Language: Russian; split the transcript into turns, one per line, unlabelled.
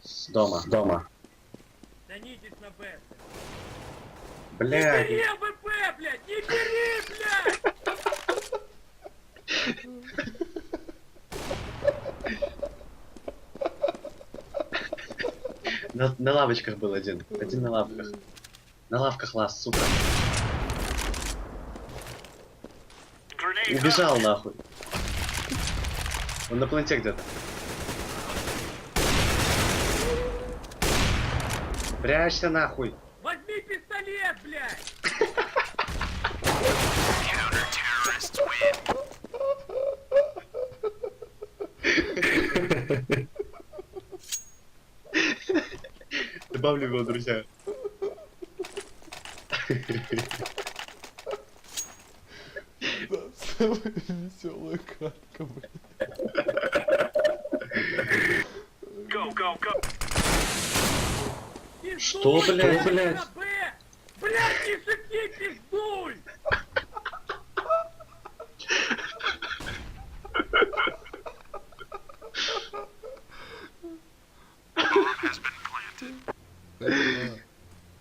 Дома.
Станитесь на Б. Не
Блядь.
бери АВП, блядь! Не бери, блядь!
На лавочках был один. Один на лавках. На лавках лаз, сука. Убежал нахуй. Он на планете где-то. Прячься нахуй.
Возьми пистолет, блядь!
Добавлю его, друзья.
Самая веселая катка, блядь.
Что, блядь?
На Б! Блядь, не шути, пиздуй!